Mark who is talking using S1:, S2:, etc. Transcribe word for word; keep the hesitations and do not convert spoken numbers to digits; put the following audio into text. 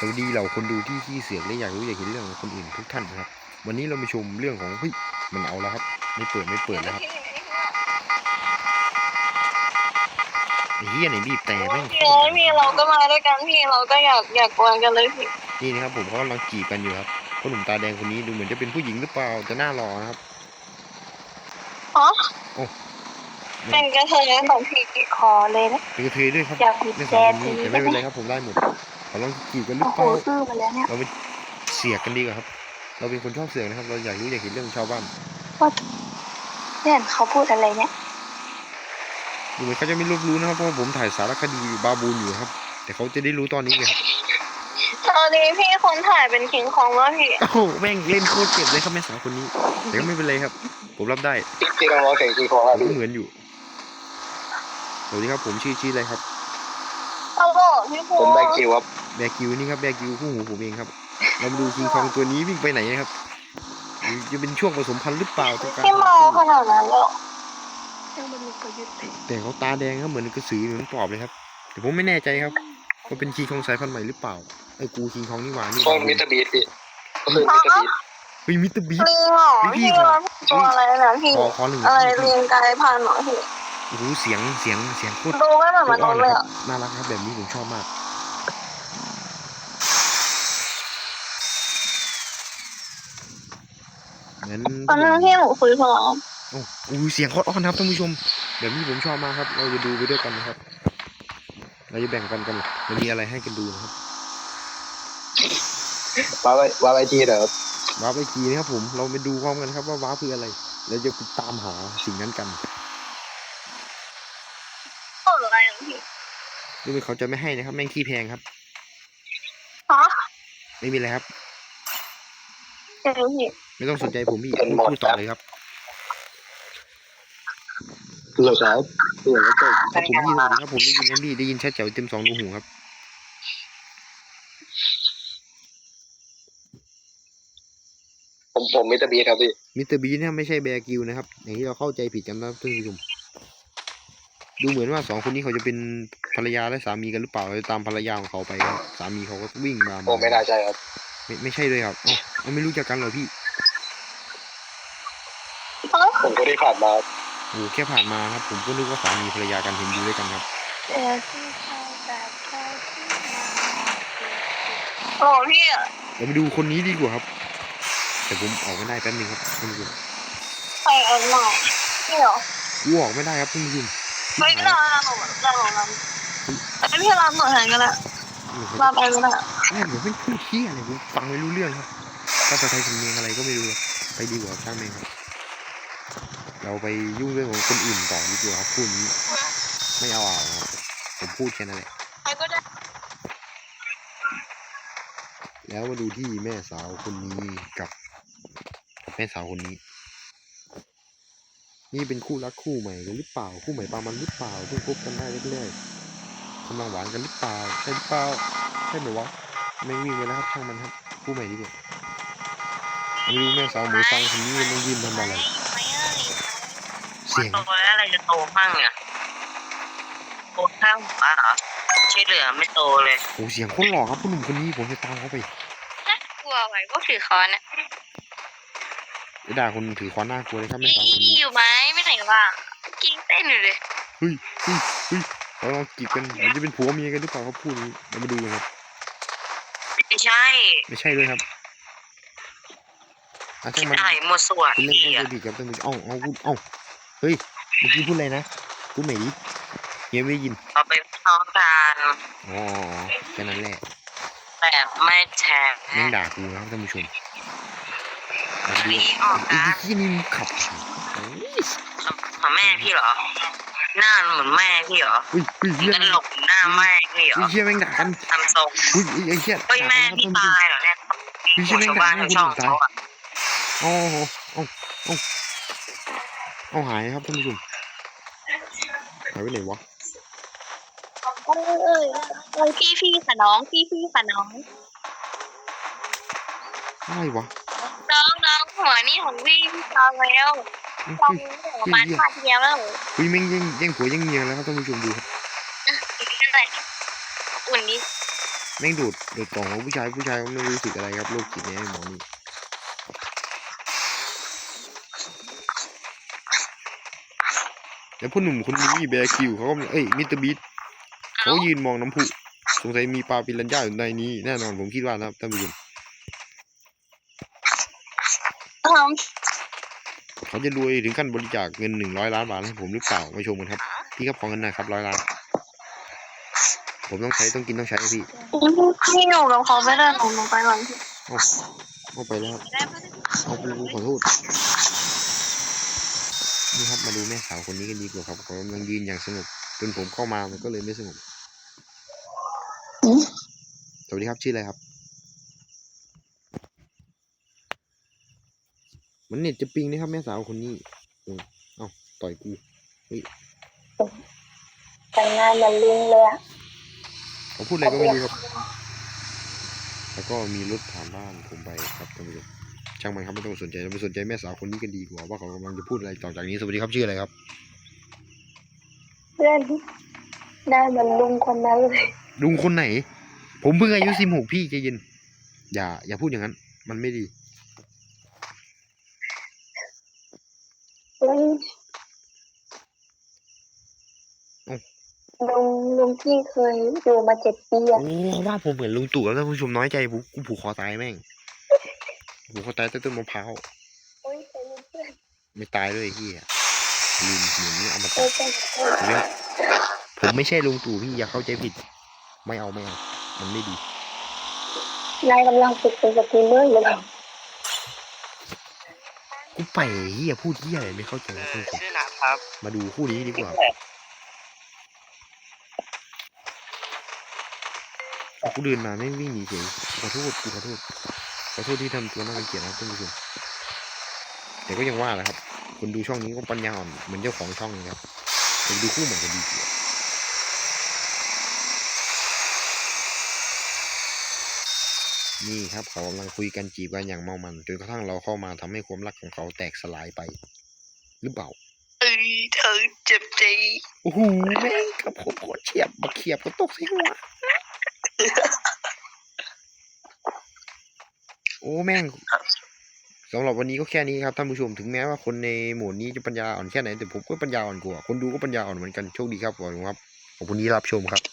S1: สวัสดีเหล่าคนดูที่ขี้เสือกและอยากรู้อยากเห็นเรื่องของคนอื่นทุกท่านนะครับวันนี้เรามาชมเรื่องของเฮ้ยมันเอาแล้วครับไม่เปิดไม่เปิดแล้วครับไอ้เหี้ยไหนบีบแต่แม่ง
S2: พี่พี่เราก็มาด้วยกันพี่เราก็อยากอยากกวนกันเลยพี่
S1: นี่นะครับผมเขากำลังจีบกันอยู่ครับคนหนุ่มตาแดงคนนี้ดูเหมือนจะเป็นผู้หญิงหรือเปล่าจะหน้ารอนะครับ
S2: อ๋อ
S1: โอ้
S2: เป็นกระเทยของพี่คอเลยนะ
S1: เป็นกระเทยด้วยครับ
S2: อยากบีบ
S1: ไม่
S2: แก
S1: สาวคน
S2: ที
S1: นี้แต่ไม่เป็นไรครับผมได้หมดเขาลองจีบกันหรือ
S2: โอ้โห
S1: เปล่า
S2: ซื้อมาแล้วเนี่ย
S1: เราไปเสียกกันดีกว่าครับเราเป็นคนชอบเสียงนะครับเราอยากรู้อยากเห็นเรื่องชาวบ้าน
S2: ว่าเนี่ยเขาพูดอะไรเนี่ย
S1: ดูเหมือนเขาจะไม่รู้รู้นะครับเพราะว่าผมถ่ายสารคดีบาบูนอยู่ครับแต่เขาจะได้รู้ตอนนี้ไง
S2: ตอนนี้พี่คนถ่ายเป็นคิงคองแล้วพี่
S1: โอ้โหแม่งเล่นโคตรเจ็บเลยครับแม่สาวคนนี้แต่ก็ไม่เป็นไรครับผมรับได้
S3: ที่เราบอกถึงคิงคองครับ
S1: ก็เหมือนอยู่สวัสดีครับผมชื่อชื่ออะไรครับ
S2: เอาโหพี่พู
S3: ผมแบงคิวครับ
S1: แบกิวนี่ครับแบกิวคู่หูผมเองครับเรามาดูคิงคองตัวนี้วิ่งไปไหนนะครับจะเป็นช่วงผสมพันธุ์หรือเปล่าตัวการ
S2: พี่เมาขนาดนั้นแล้ว
S1: แต่เขาตาแดงครับเหมือนกระสือเหมือนปอบเลยครับแต่ผมไม่แน่ใจครับว่าเป็นคิงคองสายพันธุ์ใหม่หรือเปล่าไอ้กูคิงคองนี่หว่านี่
S3: ก็มิสเตอร์บีทพี่ก็คือมิสเตอร์บีท
S1: เฮ้ยมิสเตอร์บีท
S2: ลิงเหรอพี่เราตัวอะไรนะพี่
S1: ขอขอหนึ่ง
S2: อะไรลิงกลายพันธุ์เหรอพี่
S1: โอ้โหเสียงเสียงเสียงโคตร
S2: ดูไม่เหมือนมนุษย์เลยอ่ะ
S1: น่ารักครับแบบนี้ผมชอบมากงั้น
S2: ตอนนั้นพี่หนูคุยพอ
S1: โอ้โหเสียงโคตรอ้อนครับท่านผู้ชมแบบนี้ผมชอบมากครับเราจะดูไปด้วยกันนะครับเราจะแบ่งปันกันมันมีอะไรให้กันดูนะครับ
S3: ว้าไว้ว้าไว้ทีเด้อ
S1: ว้าร์ปไอจีนะครับผมเราไปดูพร้อมกันครับว่าว้าร์ปคืออะไรแล้วจะไปตามหาสิ่งนั้นกัน
S2: เปิดอะไรอ่ะพี่
S1: ดูเหมือนเขาจะไม่ให้นะครับแม่งขี้แพงครับ
S2: ฮะ
S1: ไม่มีอะไรครับ
S2: เดี๋ยวพี่
S1: ไม่ต้องสนใจผมพี่พูดพูดต่อเลยครับ
S3: เหลือครับเหลือก็
S1: ครับผมได้ยินครับผมได้ยินครับพี่ได้ยินชัดแจ๋วเต็มสองรูหูครับ
S3: ผมผมมิสเตอร์บีทครับพี่
S1: มิสเตอร์บีเนี่ยไม่ใช่แบร์กิลนะครับอย่างที่เราเข้าใจผิดกันนะท่านผู้ชมดูเหมือนว่าสองคนนี้เขาจะเป็นภรรยาและสามีกันหรือเปล่าเราจะตามภรรยาของเขาไปครับสามีเขาก็วิ่งมา
S3: ผมไม่น่าใช่ครับ
S1: ไม่ไม่ใช่เลยครับเอ้าเราไม่รู้จักกันเหรอพี่
S3: ผมก็ได้ผ่านมา
S1: โอ้แค่ผ่านมาครับผมก็นึกว่าสามีภรรยากันเห็นอยู่ด้วยกันครับ
S2: โอ้พี่อ่ะ
S1: เราไปดูคนนี้ดีกว่าครับแต่ผมออกไม่ได้แป๊บนึงครับท่านผู้ชม
S2: ใครเอาหน่อยพี่เหรอ
S1: กูออกไม่ได้ครับท่านผู้ชม
S2: ไม่ได้เราเราเราเราไอพี่รับหน่อยแทนก็ได้รับไปก็ได้
S1: แม่งเหมือนไม่พูดเที่ยอะไรกูฟังไม่รู้เรื่องครับภาษาไทยสำเนียงอะไรก็ไม่รู้ไปดีกว่าช่างแม่งครับเราไปยุ่งเรื่องของคนอื่นต่อดีกว่าครับพูดนี้ไม่เอาอ่ะครับผมพูดแค่นั้นแหละ
S2: ใครก็ได้
S1: แล้วมาดูที่แม่สาวคนนี้กับกับแม่สาวคนนี้นี่เป็นคู่รักคู่ใหม่กันหรือเปล่าคู่ใหม่ปามันหรือเปล่าเพิ่งคบกันได้แรกๆกำลังหวานกันหรือเปล่าใช่หรือเปล่าใช่ไหมวะไม่วิ่งไปแล้วครับช่างมันครับคู่ใหม่ดีกว่ามาดูแม่สาวหมูฟังคนนี้มันยืนทำอะไรเสียง
S4: โตแล้วอะไรจะโตบ้างเนี่ยโตข้างหัวเหรอที่เหลือไม่โตเลย
S1: โอ้เสียงคนหล่อครับผู้หนุ่มคนนี้ผมจะตามเขาไป
S4: กลัวไหวพวกถือค้อนนะ
S1: ไอ้ด่าคนถือค้อนหน้ากลัวเลยครับแม่สาวคนนี้
S4: อยู่ไหมไม่ไหนวะกิ้งเต้นอยู่เลย
S1: เฮ้ยเฮ้ยเฮ้ยเราลองจีบกันมันจะเป็นผัวเมียกันหรือเปล่าครับพูดนี้เรามาดูกันครับ
S4: ไม่ใช่
S1: ไม่ใช่เลยครับอา
S4: คิ
S1: ช่าง
S4: ด
S1: มัน
S4: อะไรมัวส่วน
S1: เป็นเรื่อง
S4: พี่
S1: เข้า
S4: อะ
S1: ใจผิดครับท่านผู้ชมเอ้าเอ้าพูดเอ้าเฮ้ยเมื่อกี้พูดอะไรนะพูดใหม่ดิเฮียไม่ได้ยิน
S4: เราไปท้องกัน
S1: อ๋อแค่นั้นแหละ
S4: แต่ไม่แชร์
S1: แม่งด่ากูนะครับท่านผู้ชมเอาไปดู
S4: พี่ออก
S1: ไอ้
S4: นะ
S1: ที่นี่มันขับโอ้ย
S4: ของแม่พี่เหรอหน้าเหมือนแม่พี่เหรอ
S1: เฮ้ยเฮ้ยเฮีย
S4: กันหลบหน้าแม่พี่เหรอ
S1: เฮ้ยเฮียแม่งด่ากัน
S4: ทำทรง
S1: เฮ้ยไอ้เฮีย
S4: เฮ้ยแม่พี่ตายเหรอเนี่ย
S1: เฮ้ย
S4: หั
S1: เฮียว แม่ง
S4: ชาว
S1: ด่า
S4: บ้าน
S1: แม่
S4: ชาว
S1: คน
S4: ช่อง
S1: อื่นตาย
S4: เขาอะ
S1: โอ้โหเอาเอาเอาหายครับท่านผู้ชมหายไปไหนวะ
S2: เอ้ยเอ้ยเอ้ยพี่พี่ค่ะน้องพี่พี่ค่ะน้อง
S1: อะไรวะ
S4: น้องน้องหัวนี่ของพี่พี่ตายแล้ว
S1: เฮ้ย
S4: ตอ
S1: เฮ้
S4: น
S1: ย
S4: นี้ประมาณพาเทียมแล้ว
S1: เฮ้ยแม่งแย่งแย่งผัวแย่งเมียแล้วครับท่านผู้ชมดูครับ
S4: นั่นแหละอุ่นดิ
S1: นแม่งดูดดูดกล่องของผู้ชายผู้ชายก็ไม่รู้สึกอะไรครับโรคจิตเนี่ยไอ้หมอนี่แล้วพ่อหนุ่มคนนี้แบร์คิวเขาก็เอ้ยมิสเตอร์บีทเขายืนมองน้ำพุสงสัยมีปลาปิรันย่าอยู่ในนี้แน่นอนผมคิดว่านะครับท่านผู้ชม
S2: ท
S1: เขาจะรวยถึงขั้นบริจาคเงินหนึ่งร้อยล้านบาทให้ผมหรือเปล่ามาชมกันครับพี่ครับขอเงินหน่อยครับร้อยล้านผมต้องใช้ต้องกินต้องใช้พี่
S2: ำพี่อยู่กับเขาไม่ได้หนูหนูไปก่อนพี่
S1: เอาเอาไปแล้วครับเอาไปขอโทษนี่ครับมาดูแม่สาวคนนี้กันดีกว่าครับเขากำลังยืนอย่างสงบจนผมเข้ามามันก็เลยไม่สงบสวัสดีครับชื่ออะไรครับมันเน็ตจะปิงนะครับแม่สาวคนนี้โอ้ยเอ้าต่อยกูเฮ้ย
S2: แต่งงานมันลิงเลยอะ
S1: เขาพูดอะไรก็ไม่รู้ครับแล้วก็มีรถผ่านบ้านผมไปครับท่านผู้ชมช่างมันครับไม่ต้องสนใจเราไปสนใจแม่สาวคนนี้กันดีกว่าว่าเขากำลังจะพูดอะไรต่อจากนี้สวัสดีครับชื่ออะไรครับ
S2: เพื่อนหน้ามันลุงคนนั้นเลย
S1: ลุงคนไหน ผมเพิ่งอายุสิบหกพี่ใจเย็นอย่าอย่าพูดอย่างนั้น มันไม่ดี
S2: ลุงลุงลุงที่เคยอยู่มาเจ็ดปีอะ
S1: โอ้ว่าผมเหมือนลุงตู่แล้วท่านผู้ชมน้อยใจกูกูผูกคอตายแม่งผูกคอตายใต้ต้นมะพร้าว
S2: โอ้ยเป็นเพื่อน
S1: ไม่ตายด้วยไอ้เฮียลืมเหมือนนี้เอามา
S2: เอ
S1: ตั
S2: อ
S1: ด
S2: เป็น
S1: เนี่ยผมไม่ใช่ลุงตู่พี่อย่าเข้าใจผิด ไม่เอาไม่เอามันไม่ดี
S2: นายกำลังฝึกเป็นสตรีมเมอร์อยู่เหรอ
S1: กูไปเฮียพูดเฮียอะไรไม่เข้าใจท่านผู้ชม
S4: ชื่อนะครับ
S1: มาดูคู่นี้ดีกว่ากูเดินมาแม่งวิ่งหนีเฉยขอโทษกูขอโทษขอโทษที่ทำตัวน่ารังเกียจนะครับท่านผู้ชมแต่ก็ยังว่าแหละครับคนดูช่องนี้ก็ปัญญาอ่อนเหมือนเจ้าของช่องเลยครับไปดูคู่ใหม่กันดีกว่านี่ครับเขากำลังคุยกันจีบกันอย่างเมามันจนกระทั่งเราเข้ามาทำให้ความรักของเขาแตกสลายไป หรือเปล่า
S4: เอ้ยเธอเจ็บใจ
S1: โอ้โหแม่งกับผมโคตรเฉียบบักเขียบก็ตกใส่หัวโอ้แม่งสำหรับวันนี้ก็แค่นี้ครับท่านผู้ชมถึงแม้ว่าคนในหมู่นี้จะปัญญาอ่อนแค่ไหนแต่ผมก็ปัญญาอ่อนกว่าคนดูก็ปัญญาอ่อนเหมือนกันโชคดีครับขอบคุณครับขอบคุณที่รับชมครับ